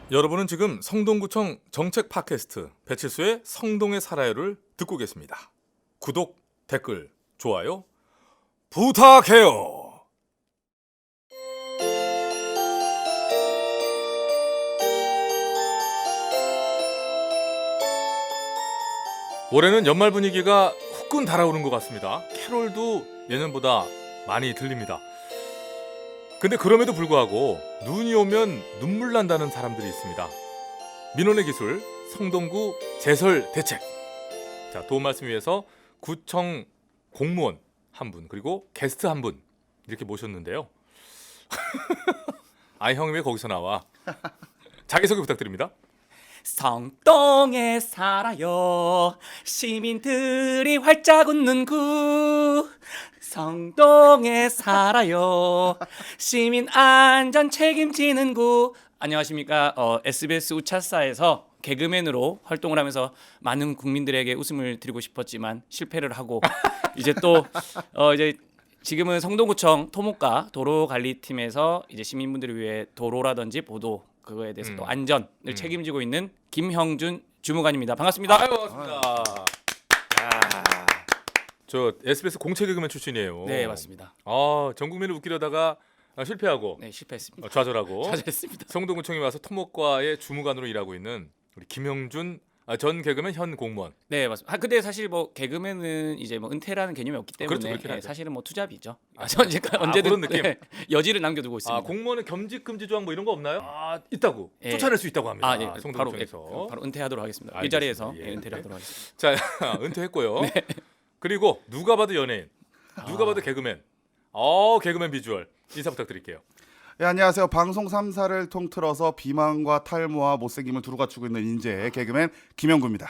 여러분은 지금 성동구청 정책 팟캐스트 배칠수의 성동에 살아요를 듣고 계십니다. 구독, 댓글, 좋아요 부탁해요. 올해는 연말 분위기가 후끈 달아오른 것 같습니다. 캐롤도 예년보다 많이 들립니다. 근데 그럼에도 불구하고 눈이 오면 눈물 난다는 사람들이 있습니다. 민원의 기술 성동구 제설 대책. 자, 도움 말씀 위해서 구청 공무원 한 분 그리고 게스트 한 분 이렇게 모셨는데요. 아이 형이 왜 거기서 나와? 자기소개 부탁드립니다. 성동에 살아요 시민들이 활짝 웃는 구. 성동에 살아요 시민 안전 책임지는 구. 안녕하십니까. SBS 우차사에서 개그맨으로 활동을 하면서 많은 국민들에게 웃음을 드리고 싶었지만 실패를 하고 이제 또 이제 지금은 성동구청 토목과 도로관리팀에서 이제 시민분들을 위해 도로라든지 보도 그거에 대해서 또 안전을 책임지고 있는 김형준 주무관입니다. 반갑습니다. 아유, 반갑습니다. 저 SBS 공채 개그맨 출신이에요. 네, 맞습니다. 전 국민을 웃기려다가 실패하고 네, 실패했습니다. 좌절하고 잘했습니다. 성동구청에 와서 토목과의 주무관으로 일하고 있는 우리 김형준 전 개그맨 현 공무원. 네, 맞습니다. 근데 사실 뭐 개그맨은 이제 뭐 은퇴라는 개념이 없기 때문에 그렇죠, 그렇긴 하죠. 사실은 뭐 투잡이죠. 언제든 그런 느낌? 네, 여지를 남겨두고 있습니다. 공무원은 겸직 금지 조항 뭐 이런 거 없나요? 있다고. 예. 쫓아낼 수 있다고 합니다. 네, 성동구청에서. 바로 은퇴하도록 하겠습니다. 알겠습니다. 이 자리에서 예. 은퇴를 하도록 하겠습니다. 자, 은퇴했고요. 그리고 누가 봐도 연예인, 누가 봐도 개그맨. 개그맨 비주얼 인사 부탁드릴게요. 네, 안녕하세요. 방송 3사를 통틀어서 비만과 탈모와 못생김을 두루 갖추고 있는 인재 개그맨 김영구입니다.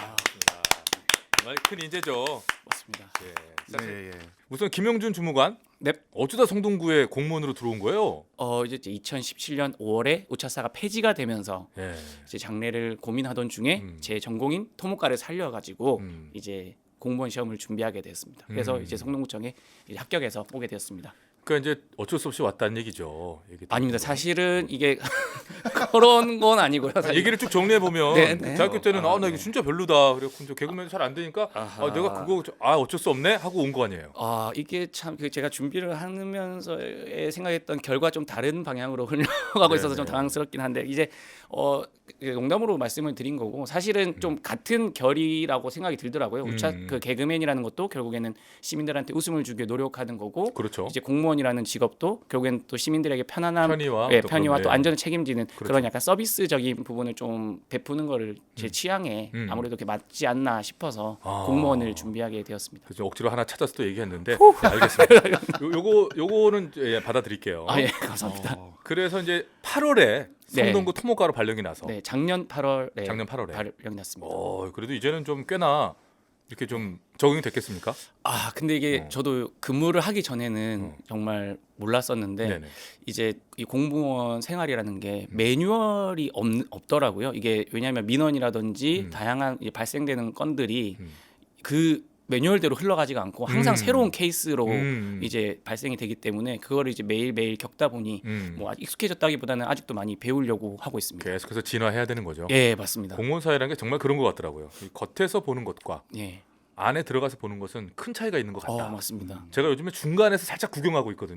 정말 큰 인재죠. 맞습니다. 예. 예. 우선 김영준 주무관. 네. 어쩌다 성동구에 공무원으로 들어온 거예요? 이제 2017년 5월에 우차사가 폐지가 되면서 예. 이제 장래를 고민하던 중에 제 전공인 토목과를 살려가지고 이제 공무원 시험을 준비하게 됐습니다. 그래서 이제 성동구청에 이제 합격해서 오게 되었습니다. 그러니까 이제 어쩔 수 없이 왔다는 얘기죠. 아닙니다. 사실은 이게 그런 건 아니고요. 사실. 얘기를 쭉 정리해 보면 네, 네. 대학교 때는 나 이거 진짜 별로다. 그래고 이제 개그맨 잘 안 되니까 내가 그거 어쩔 수 없네 하고 온 거 아니에요. 이게 참 제가 준비를 하면서 생각했던 결과 좀 다른 방향으로 흘러가고 있어서 좀 당황스럽긴 한데 이제 농담으로 말씀을 드린 거고 사실은 좀 같은 결이라고 생각이 들더라고요. 그 개그맨이라는 것도 결국에는 시민들한테 웃음을 주기 노력하는 거고 그렇죠. 이제 공무원이라는 직업도 결국엔 또 시민들에게 편안함, 편의와 편의와 또 네. 안전을 책임지는 그렇죠. 그런 약간 서비스적인 부분을 좀 베푸는 거를 제 취향에 아무래도 그렇게 맞지 않나 싶어서 공무원을 준비하게 되었습니다. 그래서 억지로 하나 찾아서 또 얘기했는데 네, 알겠습니다. 요거는 받아들일게요. 예, 감사합니다. 그래서 이제 8월에 성동구 토목과로 발령이 나서 네, 작년 8월에 작년 8월에 발령이 났습니다. 그래도 이제는 좀 꽤나 이렇게 좀 적응이 됐겠습니까? 근데 이게 저도 근무를 하기 전에는 정말 몰랐었는데 네네. 이제 이 공무원 생활이라는 게 매뉴얼이 없더라고요. 이게 왜냐하면 민원이라든지 다양한 발생되는 건들이 그 매뉴얼대로 흘러가지가 않고 항상 새로운 케이스로 이제 발생이 되기 때문에 그거를 이제 매일매일 겪다 보니 뭐 아직 익숙해졌다기보다는 아직도 많이 배우려고 하고 있습니다. 계속해서 진화해야 되는 거죠. 예, 맞습니다. 공무원 사회라는 게 정말 그런 것 같더라고요. 이 겉에서 보는 것과 예. 안에 들어가서 보는 것은 큰 차이가 있는 것 같다. 맞습니다. 제가 요즘에 중간에서 살짝 구경하고 있거든요.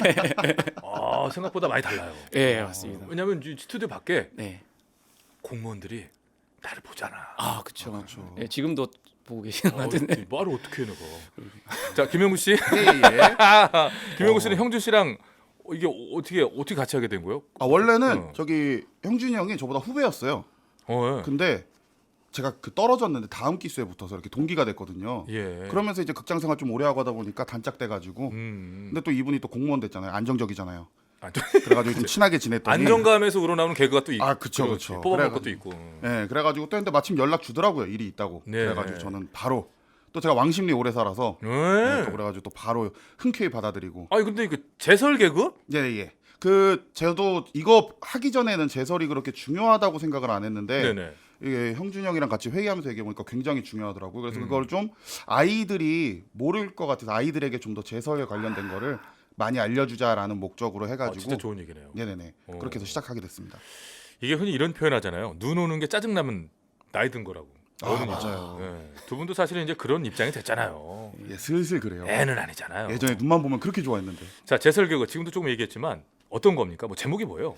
생각보다 많이 달라요. 예, 맞습니다. 왜냐하면 이 스튜디오 밖에 네. 공무원들이 나를 보잖아. 그렇죠. 예, 지금도 보고 계시는 것 같은데. 말을 어떻게 해 내가. 자, 김영구 씨. 예. 김영구 씨는 형준 씨랑 이게 어떻게 같이 하게 된 거예요? 원래는 저기 형준이 형이 저보다 후배였어요. 예. 근데 제가 떨어졌는데 다음 기수에 붙어서 이렇게 동기가 됐거든요. 예. 그러면서 이제 극장 생활 좀 오래 하고 하다 보니까 단짝돼가지고 근데 또 이분이 또 공무원 됐잖아요. 안정적이잖아요. 그래가지고 좀 친하게 지냈더니 안정감에서 우러나오는 개그가 또 있고. 그쵸. 뽑아먹을 것도 있고. 네, 그래가지고 또 근데 마침 연락 주더라고요. 일이 있다고. 네. 그래가지고 저는 바로 또 제가 왕십리 오래 살아서 네. 또 그래가지고 또 바로 흔쾌히 받아들이고. 근데 이거 제설 개그? 예. 저도 이거 하기 전에는 제설이 그렇게 중요하다고 생각을 안 했는데 네네. 이게 형준이 형이랑 같이 회의하면서 얘기해 보니까 굉장히 중요하더라고요. 그래서 그걸 좀 아이들이 모를 것 같아서 아이들에게 좀 더 제설에 관련된 거를 많이 알려주자라는 목적으로 해가지고 진짜 좋은 얘기네요. 네네네 그렇게 해서 시작하게 됐습니다. 이게 흔히 이런 표현하잖아요. 눈 오는 게 짜증 나면 나이 든 거라고. 어른이. 맞아요. 예. 두 분도 사실은 이제 그런 입장이 됐잖아요. 예, 슬슬 그래요. 애는 아니잖아요. 예전에 눈만 보면 그렇게 좋아했는데. 자, 제설 개그 지금도 조금 얘기했지만 어떤 겁니까? 뭐 제목이 뭐예요?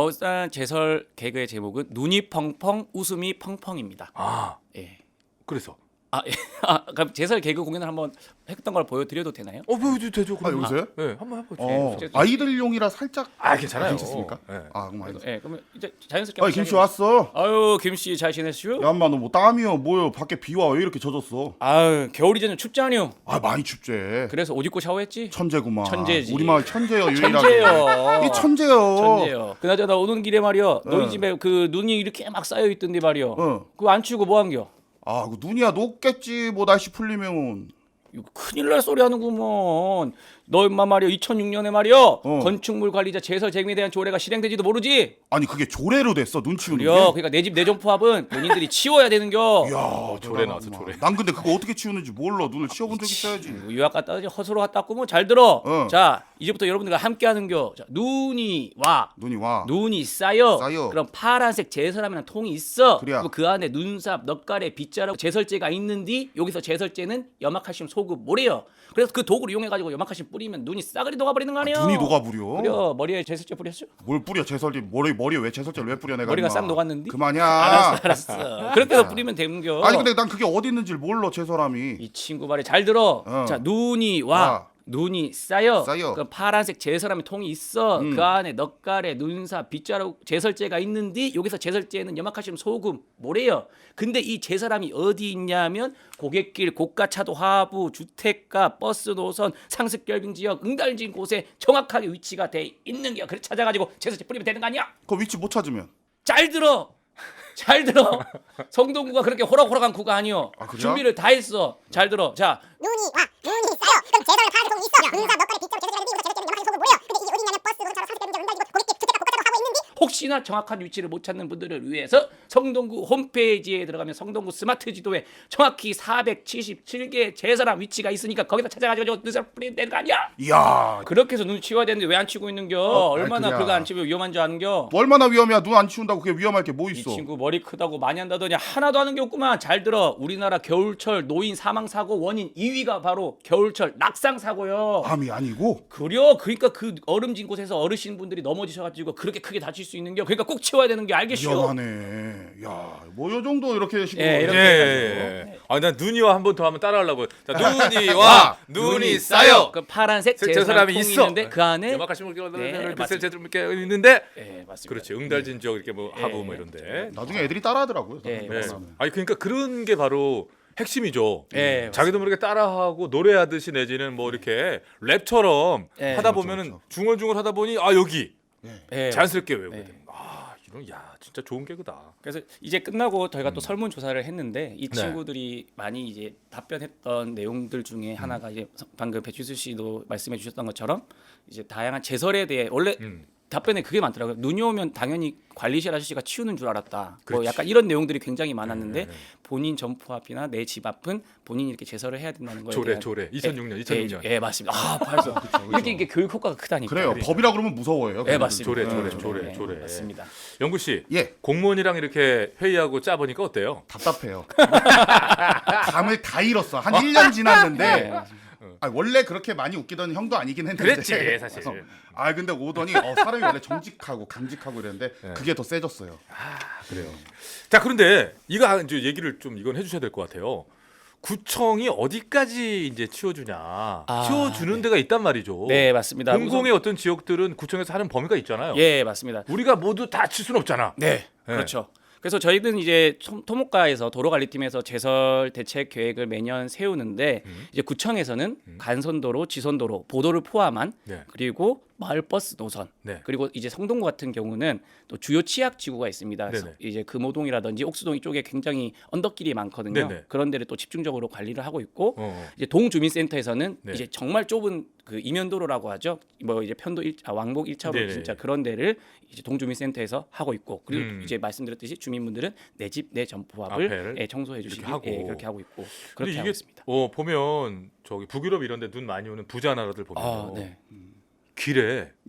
일단 제설 개그의 제목은 눈이 펑펑 웃음이 펑펑입니다. 아, 예. 그래서. 예. 그럼 제설 개그 공연을 한번 했던 걸 보여드려도 되나요? 보여도 되죠. 아, 여기서요? 네, 한번 해보죠. 아이들용이라 살짝 괜찮아요. 괜찮습니까? 네. 그럼 알겠습니다. 예, 그러면 이제 자연스럽게. 아니 김씨 왔어. 아유, 김씨 잘 지냈슈? 야, 인마 너 뭐 땀이요 뭐요? 밖에 비와 왜 이렇게 젖었어? 아유, 겨울이 되면 춥지 않요? 많이 춥제. 그래서 옷 입고 샤워했지? 천재구만. 천재지. 우리 마을 천재요 유일하게. 천재요. 이 천재요. 천재요. 그나저나 오는 길에 말이야. 너희 어. 집에 그 눈이 이렇게 막 쌓여 있던데 말이야. 어. 그거 안 치우고 뭐 한겨? 그 눈이야 녹겠지 뭐 날씨 풀리면. 이거 큰일 날 소리 하는구먼. 너 임마 말이야 2006년에 말이야 건축물 관리자 제설 재개에 대한 조례가 실행되지도 모르지? 아니 그게 조례로 됐어 눈 치우는 그래. 게. 그러니까 내 집 내존 포합은 본인들이 치워야 되는겨. 야, 조례 나왔어, 조례. 난 근데 그거 어떻게 치우는지 몰라. 눈을 치워본 적 있어야지. 유학 갔다 오지 허수로 갔다 왔고 뭐 잘 들어. 어. 자 이제부터 여러분들과 함께 하는겨. 자, 눈이 와. 눈이 와. 눈이 쌓여. 쌓여. 그럼 파란색 제설함이라는 통이 있어. 그래야. 그리고 그 안에 눈삽, 넛가래, 빗자루, 제설제가 있는디 여기서 제설제는 염화칼슘, 소금, 모래요. 그래서 그 도구를 이용해 가지고 염화칼슘 뿌리면 눈이 싸그리 녹아버리는 거 아니야? 눈이 녹아버려. 그래 머리에 제설제 뿌렸어? 뭘 뿌려 제설제 머리에 왜 제설제를 왜 뿌려 내가. 머리가 임마. 싹 녹았는데? 그만이야. 알았어. 그렇게 해서 뿌리면 되는겨. 아니 근데 난 그게 어디 있는지 몰라 제설함이. 이 친구 말이 잘 들어. 자 눈이 와. 와. 눈이 쌓여. 쌓여. 그럼 파란색 제설함의 통이 있어. 그 안에 넛가래, 눈삽, 빗자루 제설제가 있는데 여기서 제설제는 염화칼슘, 소금, 모래요. 근데 이 제설함이 어디 있냐면 고갯길, 고가차도 하부, 주택가, 버스 노선, 상습 결빙 지역, 응달진 곳에 정확하게 위치가 돼 있는 게. 그래 찾아가지고 제설제 뿌리면 되는 거 아니야? 그 위치 못 찾으면. 잘 들어. 잘 들어. 성동구가 그렇게 호락호락한 구가 아니요. 그래요? 준비를 다 했어. 잘 들어. 자, 눈이 와 눈이 쌓여 그럼 제설에 파란색 통이 있어 눈사 넉가래 빗자루 제설제가 있는데 여기서 제설제는 염화칼슘 소금 모래요 근데 이게 어디 있냐면 버스 노선차로 사슬 때문에 운달리고 고깃길 주택가 고가차도 하고 있는데 혹시나 정확한 위치를 못 찾는 분들을 위해서 성동구 홈페이지에 들어가면 성동구 스마트 지도에 정확히 477개 제설함 위치가 있으니까 거기다 찾아가지고 눈살 뿌리면 되는 거 아니야? 이야. 그렇게 해서 눈 치워야 되는데 왜 안 치고 있는겨? 얼마나 그래야. 그거 안 치우면 위험한 줄 아는겨? 뭐 얼마나 위험이야. 눈 안 치운다고 그게 위험할 게 뭐 이 있어. 친구 머리 크다고 많이 한다더니 하나도 하는 게 없구만. 잘 들어. 우리나라 겨울철 노인 사망 사고 원인 2위가 바로 겨울철 낙상 사고요. 암이 아니고. 그러니까 그 얼음진 곳에서 어르신분들이 넘어지셔가지고 그렇게 크게 다칠 수 있는 게 그러니까 꼭 치워야 되는 게 알겠슈? 위험하네. 야, 뭐 요 정도 이렇게 식으로. 예, 예, 이렇게 예. 난 눈이와 한 번 더 하면 따라하려고. 자, 눈이 와, 눈이 쌓여. 그 파란색 제 제설함이 사람이 있어. 있는데 그 안에 염화칼슘을 네, 비쌀 제대로 이렇게 있는데. 예, 맞습니다. 그렇지. 응달진 지역 이렇게 뭐 하부 뭐 예. 이런데. 나중에 애들이 따라하더라고요. 예, 네. 맞습니다. 아니 그러니까 그런 게 바로 핵심이죠. 예, 자기도 모르게 따라하고 노래하듯이 내지는 뭐 이렇게 랩처럼 예, 하다 그렇죠, 보면은 그렇죠. 중얼중얼 하다 보니 여기 예, 자연스럽게 외우게 예. 되는. 이런 진짜 좋은 개그다. 그래서 이제 끝나고 저희가 또 설문 조사를 했는데 이 네. 친구들이 많이 이제 답변했던 내용들 중에 하나가 이제 방금 배추수 씨도 말씀해 주셨던 것처럼 이제 다양한 제설에 대해 원래 답변에 그게 많더라고요. 눈이 오면 당연히 관리실 아저씨가 치우는 줄 알았다. 뭐 그렇지. 약간 이런 내용들이 굉장히 많았는데 네. 본인 점포 앞이나 내 집 앞은 본인이 이렇게 제설을 해야 된다는 거에 조례 대한 조례 2006년. 예, 맞습니다. 맞습니다. 이렇게 이게 교육 효과가 크다니까. 그래요. 법이라 그러면 무서워요. 예, 맞습니다. 조례. 맞습니다. 영구 씨. 예. 공무원이랑 이렇게 회의하고 짜 보니까 어때요? 답답해요. 감을 다 잃었어. 한 1년 지났는데. 네. 원래 그렇게 많이 웃기던 형도 아니긴 했는데. 그랬지, 사실. 근데 오더니 사람이 원래 정직하고 강직하고 이랬는데 그게 더 세졌어요. 그래요. 자, 그런데 이거 이제 얘기를 좀 이건 해주셔야 될 것 같아요. 구청이 어디까지 이제 치워주냐? 치워주는 데가 있단 말이죠. 네, 맞습니다. 공공의 어떤 지역들은 구청에서 하는 범위가 있잖아요. 예, 맞습니다. 우리가 모두 다 칠 수는 없잖아. 네, 그렇죠. 그래서 저희는 이제 토목과에서 도로관리팀에서 제설 대책 계획을 매년 세우는데 이제 구청에서는 간선도로, 지선도로, 보도를 포함한 네. 그리고 마을버스 노선 네. 그리고 이제 성동구 같은 경우는 또 주요 치약 지구가 있습니다. 그래서 네네. 이제 금호동이라든지 옥수동 이쪽에 굉장히 언덕길이 많거든요. 네네. 그런 데를 또 집중적으로 관리를 하고 있고 어. 이제 동주민센터에서는 네. 이제 정말 좁은 그 이면도로라고 하죠. 뭐 이제 편도 왕복 1차로 네네. 진짜 그런 데를 이제 동주민센터에서 하고 있고 그리고 이제 말씀드렸듯이 주민분들은 내 집 내 점포 앞에를 앞을 청소해 주시기 하고. 그렇게 하고 있고 근데 그렇게 이게 하고 있습니다. 보면 저기 북유럽 이런 데 눈 많이 오는 부자 나라들 보면 네. 길에 예.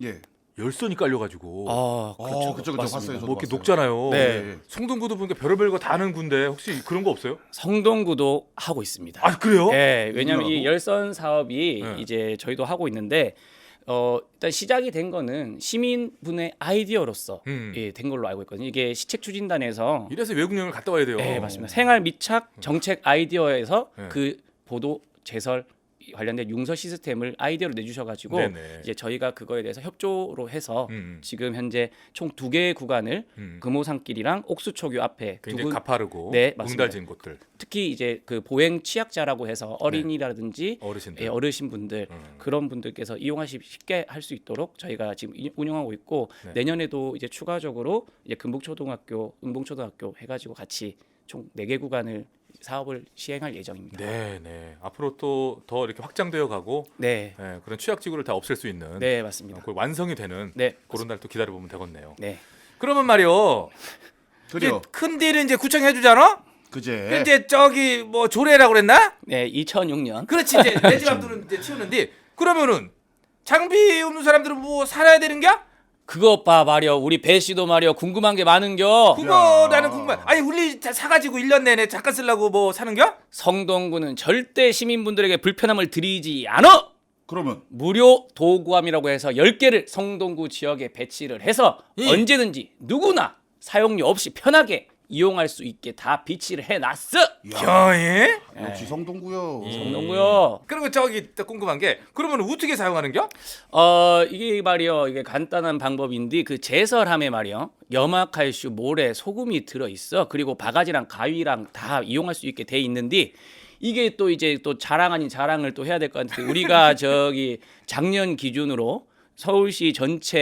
열선이 깔려가지고 그렇죠. 그쵸, 맞습니다. 봤어요. 저도 뭐 이렇게 봤어요. 녹잖아요. 네. 성동구도 보니까 별의별 거 다 하는 군데 혹시 그런 거 없어요? 성동구도 하고 있습니다. 아 그래요? 네, 왜냐하면 이 누구라고? 열선 사업이 네. 이제 저희도 하고 있는데 일단 시작이 된 거는 시민분의 아이디어로서 된 걸로 알고 있거든요. 이게 시책 추진단에서 이래서 외국 여행을 갔다 와야 돼요. 네, 맞습니다. 생활 밀착 정책 아이디어에서 네. 그 보도 제설 관련된 융서 시스템을 아이디어로 내주셔가지고 네네. 이제 저희가 그거에 대해서 협조로 해서 음. 지금 현재 총 2개의 구간을 금호산길이랑 옥수초교 앞에 굉장히 가파르고 네, 맞습니다. 응달진 곳들 특히 이제 그 보행 취약자라고 해서 어린이라든지 어르신들. 예, 어르신분들 그런 분들께서 이용하시 쉽게 할 수 있도록 저희가 지금 운영하고 있고 네. 내년에도 이제 추가적으로 이제 금북초등학교, 은봉초등학교 해가지고 같이 총 4개 구간을 사업을 시행할 예정입니다. 네. 앞으로 또 더 이렇게 확장되어 가고 네, 그런 취약지구를 다 없앨 수 있는 네 맞습니다. 그 완성이 되는 네, 그런 날 또 기다려 보면 되겠네요. 네. 그러면 말이요. 그래요. 큰 데는 이제 구청 해주잖아. 그제. 이제 저기 뭐 조례라고 그랬나? 네, 2006년. 그렇지 이제 내 집 앞들은 이제 치우는데 그러면은 장비 없는 사람들은 뭐 살아야 되는겨? 그것 봐 말이여 우리 배 씨도 말이여 궁금한 게 많은겨. 그거 야. 나는 궁금해. 아니 우리 사가지고 1년 내내 잠깐 쓰려고 뭐 사는겨? 성동구는 절대 시민분들에게 불편함을 드리지 않아. 그러면 무료 도구함이라고 해서 10개를 성동구 지역에 배치를 해서 언제든지 누구나 사용료 없이 편하게 이용할 수 있게 다 비치를 해놨어. 겨예? 역시 성동구요. 성동구요. 그리고 저기 또 궁금한 게 그러면 어떻게 사용하는겨? 이게 말이요. 이게 간단한 방법인데 그 제설함에 말이요. 염화칼슘, 모래, 소금이 들어 있어. 그리고 바가지랑 가위랑 다 이용할 수 있게 돼 있는데 이게 또 이제 또 자랑 아닌 자랑을 또 해야 될 것 같은데 우리가 저기 작년 기준으로 서울시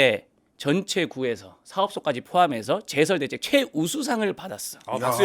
전체 구에서 사업소까지 포함해서 제설 대책 최우수상을 받았어. 박수요.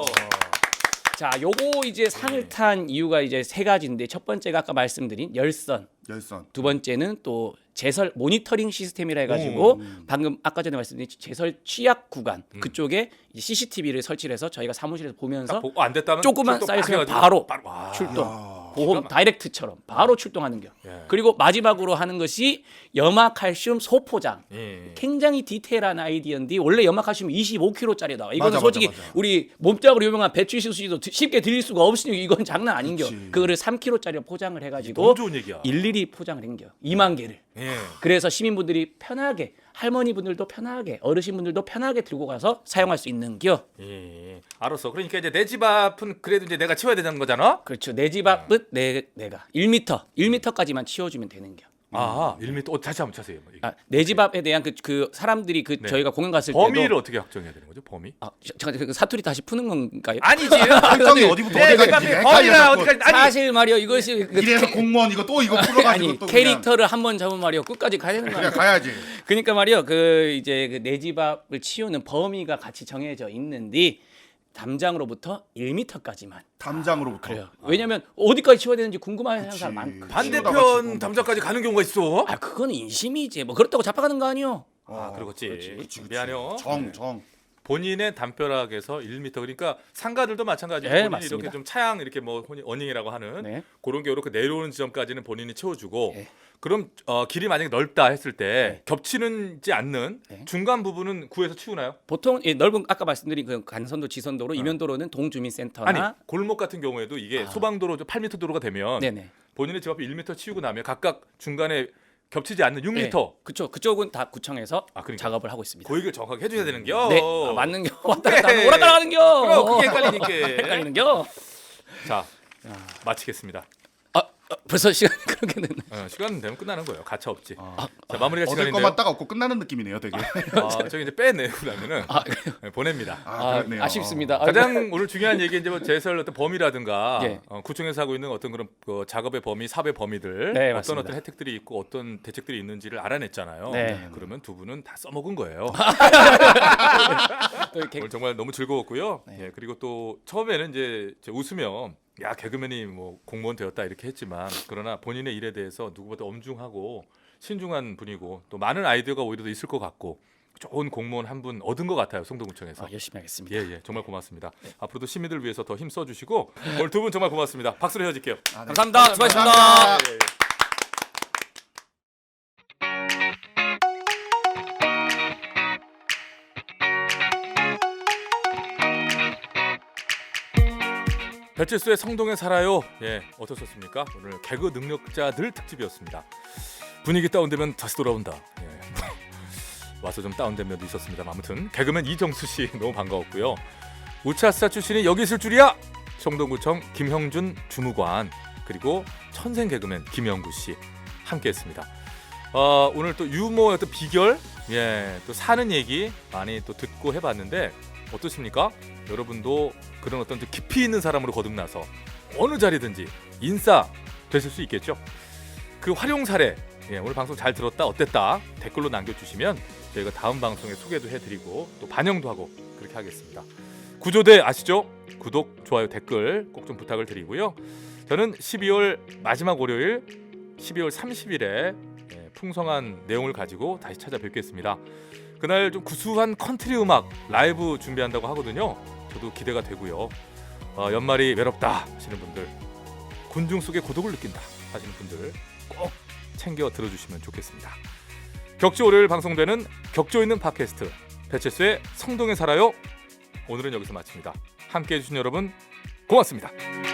자, 요거 이제 상을 탄 이유가 이제 3가지인데 첫 번째가 아까 말씀드린 열선, 열선. 두 번째는 또 제설 모니터링 시스템이라 해가지고 방금 아까 전에 말씀드린 제설 취약 구간 그쪽에 이제 CCTV를 설치를 해서 저희가 사무실에서 보면서 보고 안 됐다면 조금만 출동 쌓였으면 빡 바로 해가지고 와. 출동. 야. 보험 다이렉트처럼 바로 출동하는 겨. 예. 그리고 마지막으로 하는 것이 염화칼슘 소포장. 예. 굉장히 디테일한 아이디어인데 원래 염화칼슘 25kg짜리 나와. 이거는 맞아, 솔직히 맞아. 우리 몸짱으로 유명한 배추시수 씨도 쉽게 드릴 수가 없으니 이건 장난 아닌겨. 그치. 그거를 3kg짜리로 포장을 해가지고 너무 좋은 얘기야. 일일이 포장을 한겨. 2만 개를. 예. 그래서 시민분들이 편하게 할머니분들도 편하게 어르신분들도 편하게 들고 가서 사용할 수 있는겨. 예. 알았어. 그러니까 이제 내 집 앞은 그래도 이제 내가 치워야 되는 거잖아. 그렇죠. 내 집 앞은 내가 1m까지만 치워주면 되는겨. 아, 1m. 다시 한번 차세요. 내 집 앞에 대한 그 사람들이 그 네. 저희가 공연 갔을 범위를 때도 어떻게 확정해야 되는 거죠? 범위? 잠깐 그 사투리 다시 푸는 건가요? 아니지. 설정이 어디부터 네, 어디까지 그러니까 범위나 어디까지 아니. 사실 말이요 이것이 그 이래서 공무원 이거 또 이거 풀어가지고 아니 또 캐릭터를 한 번 잡으면 말이요 끝까지 가야 되는 거 그냥 아니에요? 가야지. 그러니까 말이요 그 이제 그 내 집 앞을 치우는 범위가 같이 정해져 있는데 담장으로부터 1m까지만 담장으로부터. 그래요. 왜냐면 어디까지 치워야 되는지 궁금해하는 그치. 사람 많고. 반대편 담장까지 가는 경우가 있어. 아 그거는 인심이지. 뭐 그렇다고 잡아가는 거 아니요. 그렇겠지. 그치. 미안해요. 정. 본인의 담벼락에서 1m 그러니까 상가들도 마찬가지로 네, 본인이 맞습니다. 이렇게 좀 차양 이렇게 뭐 어닝이라고 하는 네. 그런 게 이렇게 내려오는 지점까지는 본인이 채워주고 네. 그럼 길이 만약에 넓다 했을 때 네. 겹치는지 않는 네. 중간 부분은 구에서 치우나요? 보통 이 넓은 아까 말씀드린 그 간선도, 지선도로, 이면도로는 동주민센터나 아니 골목 같은 경우에도 이게 소방도로 8m 도로가 되면 네네. 본인의 집 앞에 1m 치우고 나면 각각 중간에 겹치지 않는 6m 네. 그쵸. 그쪽은 다 구청에서 그러니까. 작업을 하고 있습니다. 그 얘기를 정확하게 해줘야 되는겨. 네, 맞는겨. 왔다 갔다 하는 오락가락하는겨. 그럼 그게 헷갈리니까. 헷갈리는겨. 자 마치겠습니다. 벌써 시간이 그렇게 됐나? 시간 되면 끝나는 거예요. 가차 없지. 자 마무리가 얻을 시간인데요. 것만 딱 얻고 끝나는 느낌이네요, 되게. 저기 이제 빼내고 나면은 보냅니다. 그렇네요. 아쉽습니다. 가장 오늘 중요한 얘기 이제 뭐 제설 어떤 범위라든가 예. 구청에서 하고 있는 어떤 그런 작업의 범위, 사업의 범위들 네, 어떤 맞습니다. 어떤 혜택들이 있고 어떤 대책들이 있는지를 알아냈잖아요. 네. 그러면 두 분은 다 써먹은 거예요. 또 이렇게 오늘 정말 너무 즐거웠고요. 네. 예, 그리고 또 처음에는 이제 웃으면 야 개그맨이 뭐 공무원 되었다 이렇게 했지만 그러나 본인의 일에 대해서 누구보다 엄중하고 신중한 분이고 또 많은 아이디어가 오히려 더 있을 것 같고 좋은 공무원 한 분 얻은 것 같아요. 성동구청에서. 열심히 하겠습니다. 예, 정말 고맙습니다. 앞으로도 시민들 위해서 더 힘 써주시고 오늘 두 분 정말 고맙습니다. 박수로 헤어질게요. 감사합니다. 수고하셨습니다. 감사합니다. 배칠수의 성동에 살아요. 예, 어떠셨습니까? 오늘 개그 능력자들 특집이었습니다. 분위기 다운되면 다시 돌아온다. 예. 와서 좀 다운된 면도 있었습니다. 아무튼 개그맨 이정수 씨 너무 반가웠고요. 우차스타 출신이 여기 있을 줄이야. 성동구청 김형준 주무관 그리고 천생 개그맨 김영구 씨 함께했습니다. 오늘 또 유머의 어떤 비결, 예, 또 사는 얘기 많이 또 듣고 해봤는데 어떻습니까? 여러분도 그런 어떤 좀 깊이 있는 사람으로 거듭나서 어느 자리든지 인싸 되실 수 있겠죠? 그 활용 사례, 예, 오늘 방송 잘 들었다, 어땠다 댓글로 남겨주시면 저희가 다음 방송에 소개도 해드리고 또 반영도 하고 그렇게 하겠습니다. 구조대 아시죠? 구독, 좋아요, 댓글 꼭 좀 부탁을 드리고요. 저는 12월 마지막 월요일 12월 30일에 풍성한 내용을 가지고 다시 찾아뵙겠습니다. 그날 좀 구수한 컨트리 음악 라이브 준비한다고 하거든요. 저도 기대가 되고요. 연말이 외롭다 하시는 분들, 군중 속의 고독을 느낀다 하시는 분들 꼭 챙겨 들어주시면 좋겠습니다. 격주 월요일 방송되는 격조 있는 팟캐스트 배칠수의 성동에 살아요. 오늘은 여기서 마칩니다. 함께해 주신 여러분 고맙습니다.